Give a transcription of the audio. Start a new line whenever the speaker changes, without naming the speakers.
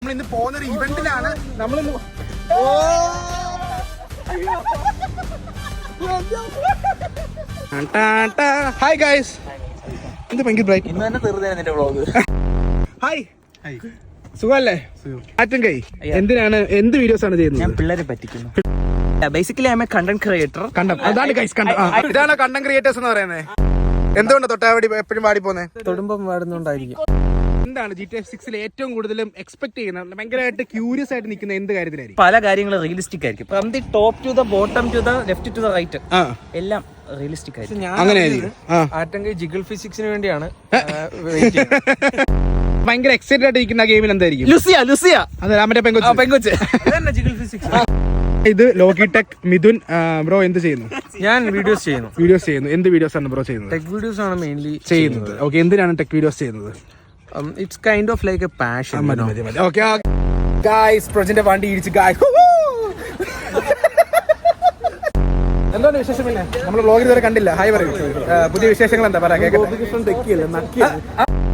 ഇന്ന് പോകുന്നൊരു ഇവന്റിലാണ് നമ്മളിന്ന്. ഹായ് ഗൈസ്, എന്ത് ഭയങ്കര ബ്രൈറ്റ്.
ഇന്ന് തന്നെ തീർന്നേ നിന്റെ വ്ളോഗ്.
ഹായ്, സുഖല്ലേ? ആറ്റും കൈ എന്തിനാണ്, എന്ത് വീഡിയോസ് ആണ് ചെയ്യുന്നത്?
ഞാൻ പിള്ളേരെ പറ്റിക്കുന്നു. Basically I am a content creator.
അതാണ് ഗൈസ്, ഇതാണ് കണ്ടന്റ് ക്രിയേറ്റേഴ്സ് എന്ന് പറയുന്നത്. എന്തുകൊണ്ട് തൊട്ടാവടി എപ്പോഴും പാടി പോന്നെ?
തൊടുമ്പം പാടുന്നോണ്ടായിരിക്കും.
എന്താണ് GTA 6 ഏറ്റവും കൂടുതലും എക്സ്പെക്ട് ചെയ്യുന്നത്, ഭയങ്കരമായിട്ട് ക്യൂരിയസ് ആയിട്ട് നിൽക്കുന്ന എന്ത് കാര്യത്തിലായിരിക്കും?
പല കാര്യങ്ങളും റിയലിസ്റ്റിക് ആയിരിക്കും. From the top to the bottom to the left to the right എല്ലാം റിയലിസ്റ്റിക് ആയിരിക്കും.
അങ്ങനെ ആയിരിക്കും.
ആറ്റങ്കൈ ജിഗിൾ ഫിസിക്സിന് വേണ്ടിയാണ്
ഭയങ്കര എക്സൈറ്റഡ് ആയിട്ട് ഇരിക്കുന്ന ഗെയിമിൽ എന്തായിരിക്കും?
ലുസിയ
അതെ, മറ്റേ
പെങ്കൊച്ച്.
Jiggle physics.
ഇത് ലോഗിടെക് മിഥുൻ ബ്രോ എന്ത് ചെയ്യുന്നു?
ഞാൻ വീഡിയോസ് ചെയ്യുന്നു.
എന്ത് വീഡിയോസ് ആണ് ബ്രോ ചെയ്യുന്നത്?
ടെക് വീഡിയോസ് ആണ് മെയിൻലി
ചെയ്യുന്നത്. ഓക്കെ, എന്തിനാണ് ടെക് വീഡിയോസ് ചെയ്യുന്നത്?
It's kind of like a passion.
Okay guys, പ്രൊജന്റെ വണ്ടി ഇടിച്ച് ഗായ്സ്. എന്താണ് വിശേഷം? പിന്നെ നമ്മൾ വ്ളോഗിൽ ഇതുവരെ കണ്ടില്ല. ഹായ് പറയൂ. പുതിയ വിശേഷങ്ങൾ എന്താ പറയാ?